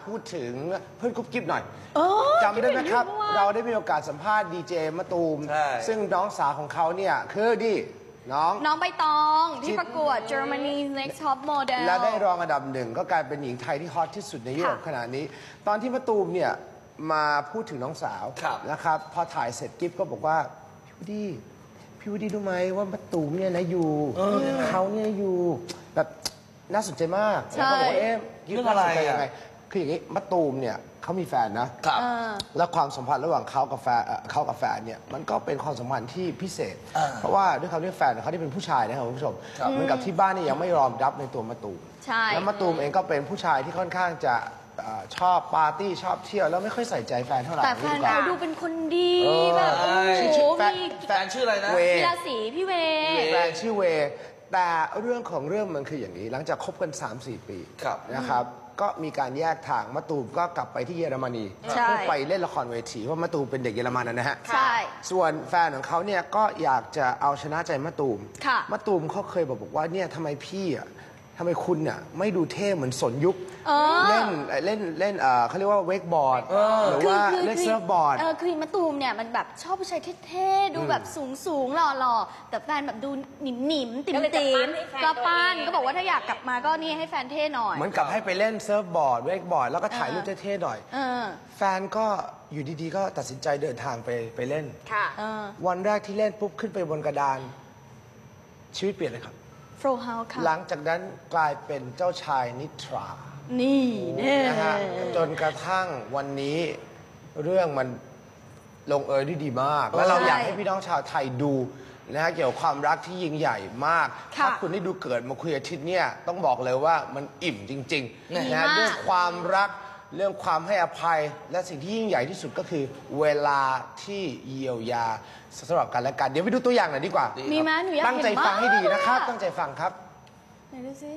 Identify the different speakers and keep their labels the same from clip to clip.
Speaker 1: พูดถึงเพื่อนกุ๊บกิ๊บหน่อยจำได้ไหมครับเราได้มีโอกาสสัมภาษณ์ดีเจมะตูมซึ่งน้องสาวของเขาเนี่ยคือน้อง
Speaker 2: ใบตองที่ประกวด Germany's Next Top Model
Speaker 1: และได้รองอันดับหนึ่งก็กลายเป็นหญิงไทยที่ฮอตที่สุดในยุโรปขณะนี้ตอนที่มะตูมเนี่ยมาพูดถึงน้องสาวนะครับพอถ่ายเสร็จกิ๊บก็บอกว่าพี่วูดดี้รู้ไหมว่ามะตูมเนี่ยนะอยู่เขาเนี่ยอยู่แบบน่าสนใจมากแล้วก็บอกว่าเรื่องอะไรยังไงคืออย่างนี้มะตูมเนี่ยเขามีแฟนนะแล้วความสัมพันธ์ระหว่างเขากับแฟนเนี่ยมันก็เป็นความสัมพันธ์ที่พิเศษเพราะว่าด้วยคำที่แฟนเขาที่เป็นผู้ชายนะครับคุณผู้ชมเหมือนกับที่บ้านนี่ยังไม่ยอมรับในตัวมะตูมแล้วมะตูมเองก็เป็นผู้ชายที่ค่อนข้างจะชอบปาร์ตี้ชอบเที่ยวแล้วไม่ค่อยใส่ใจแฟนเท่าไหร่
Speaker 2: แต่แฟนเขาดูเป็นคนดีแบบโอ้โห
Speaker 3: แฟนชื่ออะไรนะ
Speaker 2: กีฬาสีพี่เว
Speaker 1: แฟนชื่อเวแต่เรื่องของเรื่องมันคืออย่างนี้หลังจากคบกัน 3-4 ปีนะครับก็มีการแยกทางมะตูมก็กลับไปที่เยอรมนีเพื่อไปเล่นละครเวทีเพราะมะตูมเป็นเด็กเยอรมันนะฮะ
Speaker 2: ใช่
Speaker 1: ส่วนแฟนของเขาเนี่ยก็อยากจะเอาชนะใจมะตูมมะตูมเขาเคยบอกว่าเนี่ยทำไมพี่อ่ะทำไมคุณเนี่ยไม่ดูเท่เหมือนสนยุคเล่นเขาเรียกว่าเวกบอร์ดหรือว่าเล่นเซิร์ฟบอร์ด
Speaker 2: คือมะตูมเนี่ยมันแบบชอบผู้ชายเท่ๆดูแบบสูงหล่อๆแต่แฟนแบบดูหนิมๆติ๋มก็ปั้นก็บอกว่าถ้าอยากกลับมาก็นี่ให้แฟนเท่หน่อย
Speaker 1: เหมือนกับให้ไปเล่นเซิร์ฟบอร์ดเวกบอร์ดแล้วก็ถ่ายรูปเท่ๆหน่อยแฟนก็อยู่ดีๆก็ตัดสินใจเดินทางไปเล่นวันแรกที่เล่นปุ๊บขึ้นไปบนกระดานชีวิตเปลี่ยนเลยครับหลังจากนั้นกลายเป็นเจ้าชายนิทรา
Speaker 2: นี่
Speaker 1: นะฮะจนกระทั่งวันนี้เรื่องมันลงเอยได้ดีมากและเราอยากให้พี่น้องชาวไทยดูนะฮะเกี่ยวกับความรักที่ยิ่งใหญ่มากถ้าคุณได้ดูเกิดมาคุยอาทิตย์เนี่ยต้องบอกเลยว่ามันอิ่มจริงๆนะเรื่องความรักเรื่องความให้อภัยและสิ่งที่ยิ่งใหญ่ที่สุดก็คือเวลาที่เยียวยาสำหรับกันและกันเดี๋ยวไปดูตัวอย่างหน่อยดีกว่า
Speaker 2: มีไหมหนูอยากเห็นมาก
Speaker 1: ตั้งใจฟังให้ดีนะครับตั้งใจฟังครับ
Speaker 2: ไหนดูสิ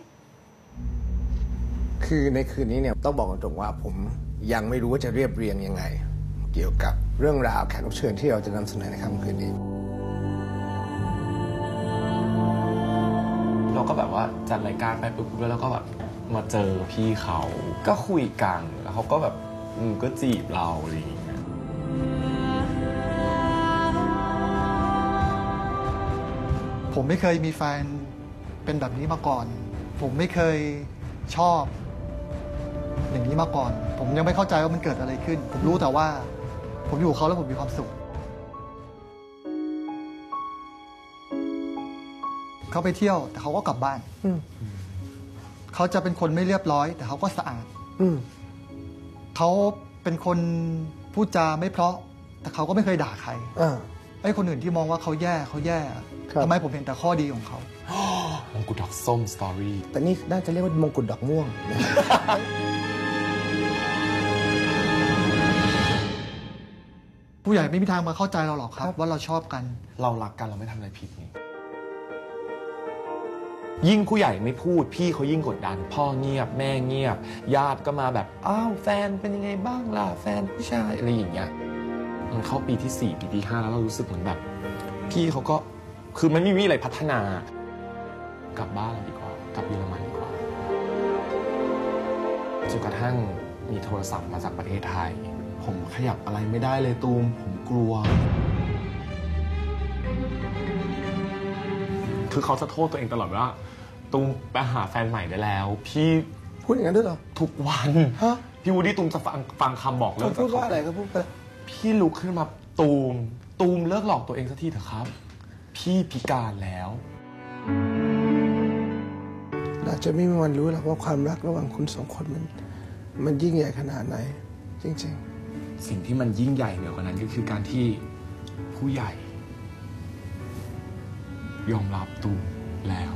Speaker 1: คือในคืนนี้เนี่ยต้องบอกตรงๆว่าผมยังไม่รู้ว่าจะเรียบเรียงยังไงเกี่ยวกับเรื่องราวแขกรับเชิญที่เราจะนำเสนอในค่ำคืนนี้
Speaker 4: เราก็แบบว่าจัดรายการไปปุ๊บแล้วก็แบบมาเจอพี่เขาก็คุยกันแล้วเขาก็แบบก็จีบเราอะไรอย่างเงี้ย
Speaker 5: ผมไม่เคยมีแฟนเป็นแบบนี้มาก่อนผมไม่เคยชอบอย่างนี้มาก่อนผมยังไม่เข้าใจว่ามันเกิดอะไรขึ้นผมรู้แต่ว่าผมอยู่กับเขาแล้วผมมีความสุขเขาไปเที่ยวแต่เขาก็กลับบ้านเขาจะเป็นคนไม่เรียบร้อยแต่เขาก็สะอาดเขาเป็นคนพูดจาไม่เพราะแต่เขาก็ไม่เคยด่าใครไอ้คนอื่นที่มองว่าเขาแย่ทำไมผมเห็นแต่ข้อดีของเขา
Speaker 4: มงกุฎดอกส้มสตอรี่
Speaker 1: แต่นี่น่าจะเรียกว่ามงกุฎดอกม่วง
Speaker 5: ผู้ใหญ่ไม่มีทางมาเข้าใจเราหรอกครับว่าเราชอบกัน
Speaker 4: เรารักกันเราไม่ทำอะไรผิดนี่ยิ่งผู้ใหญ่ไม่พูดพี่เขายิ่งกดดันพ่อเงียบแม่เงียบญาติก็มาแบบอ้าวแฟนเป็นยังไงบ้างล่ะแฟนผู้ชายอะไรอย่างเงี้ยมันเข้าปีที่4ปีที่5แล้วเรารู้สึกเหมือนแบบพี่เขาก็คือมันไม่มีอะไรพัฒนากลับบ้านเราดีกว่ากลับเยอรมันดีกว่าจนกระทั่งมีโทรศัพท์มาจากประเทศไทยผมขยับอะไรไม่ได้เลยตูมผมกลัวคือเขาจะโทษตัวเองตลอดว่าตูมไปหาแฟนใหม่ได้แล้วพี่
Speaker 1: พูดอย่างนั้นด้วยเหรอ
Speaker 4: ทุกวันพี่วูดดี้ตูมจะฟังคำบอกเลิก
Speaker 1: พูดว่าอะไรก็พูดไป
Speaker 4: พี่ลุกขึ้นมาตูมเลิกหลอกตัวเองสักทีเถอะครับพี่พิการแล้ว
Speaker 1: เราจะไม่มีวันรู้หรอกว่าความรักระหว่างคุณสองคนมันยิ่งใหญ่ขนาดไหนจริง
Speaker 4: ๆสิ่งที่มันยิ่งใหญ่เหนือกว่านั้นก็คือการที่ผู้ใหญ่ยอมรับตูมแล้ว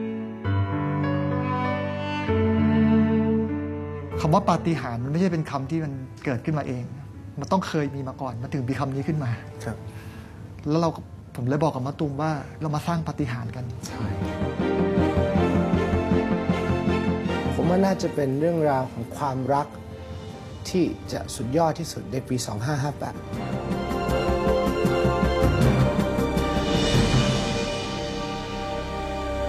Speaker 5: คำว่าปาฏิหาริย์มันไม่ใช่เป็นคำที่มันเกิดขึ้นมาเองมันต้องเคยมีมาก่อนมันถึงมีคำนี้ขึ้นมา
Speaker 1: ครับ
Speaker 5: แล้วผมเลยบอกกับมะตูมว่าเรามาสร้างปาฏิหาริย์กัน
Speaker 4: ใช่
Speaker 1: ผมว่าน่าจะเป็นเรื่องราวของความรักที่จะสุดยอดที่สุดในปี 2558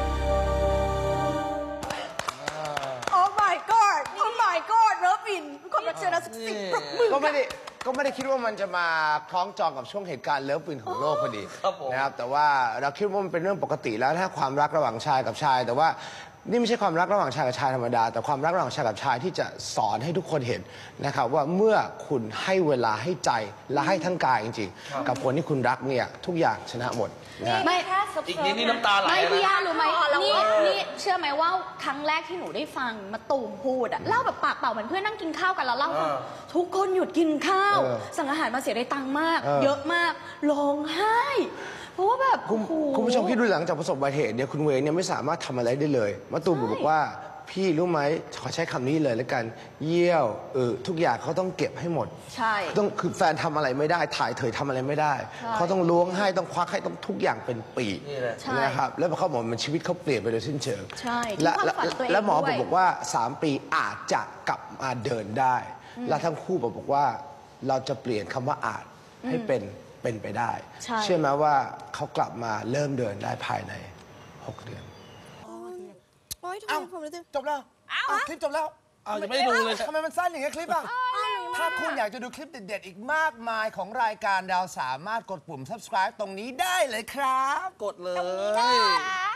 Speaker 6: โอ้ my god เลิฟอินค
Speaker 2: ความรักเชิญนะสักสิบปรบมือ
Speaker 1: ก็ไม่ได้คิดว่ามันจะมาคล้องจองกับช่วงเหตุการณ์เลิฟวินของโลกพอดีนะครับแต่ว่าเราคิดว่ามันเป็นเรื่องปกติแล้วถ้าความรักระหว่างชายกับชาย แต่ว่านี่ไม่ใช่ความรักระหว่างชายกับชายธรรมดาแต่ความรักระหว่างชายกับชายที่จะสอนให้ทุกคนเห็นนะครับว่าเมื่อคุณให้เวลาให้ใจและให้ทั้งกายจริงๆกับคนที่คุณรักเนี่ยทุกอย่างชนะหมดนะฮะ
Speaker 2: ไม่
Speaker 3: อีกนิดนี่น้ำตาไหล
Speaker 2: ไม่
Speaker 3: นะ
Speaker 2: พี่ย่ารู้ไหมนี่เชื่อไหมว่าครั้งแรกที่หนูได้ฟังมาตูมพูดอะเล่าแบบปากเปล่าเหมือนเพื่อนนั่งกินข้าวกันแล้วเล่าทุกคนหยุดกินข้าว สั่งอาหารมาเสียได้ตังค์มาก เยอะมากร้องไห้เพราะว่าแบบโอ้โห
Speaker 1: คุณผู้ชมคิดดูหลังจากประสบอุบัติเหตุเนี่ยคุณเวย์เนี่ยไม่สามารถทำอะไรได้เลยมะตูมบอกว่าพี่รู้ไหมขอใช้คำนี้เลยแล้วกันเยี่ยวทุกอย่างเขาต้องเก็บให้หมด
Speaker 2: ใช่
Speaker 1: ต้องคือแฟนทำอะไรไม่ได้ถ่ายเถยทำอะไรไม่ได้ เขาต้องล้วงให้ต้องควักให้ต้องทุกอย่างเป็นปี
Speaker 2: ใช่
Speaker 1: นะครับแล้วเขาบอกมันชีวิตเขาเปลี่ยนไปโดยสิ้นเชิง
Speaker 2: ใช่
Speaker 1: และ
Speaker 2: ทิ้งความฝันตัวเอง
Speaker 1: และหมอ
Speaker 2: ด้วย
Speaker 1: บอกว่า 3 ปีอาจจะกลับมาเดินได้ และทั้งคู่บอกว่าเราจะเปลี่ยนคำว่าอาจให้เป็นไปได้
Speaker 2: ใช่
Speaker 1: เชื่อไหมว่าเขากลับมาเริ่มเดินได้ภายใน 6 เดือน
Speaker 6: โอ๊ยทำไมผมรู้สึก
Speaker 1: จบแล้วคลิปจบแล้ว
Speaker 3: อ้าวยังไม่ได้ดูเลย
Speaker 1: ทำไมมันสั้นอย่างเงี้ยคลิปอ่ะ ถ้าคุณอยากจะดูคลิปเด็ดๆ อีกมากมายของรายการดาวสามารถกดปุ่ม subscribe ตรงนี้ได้เลยครับ
Speaker 3: กดเลย
Speaker 2: ได้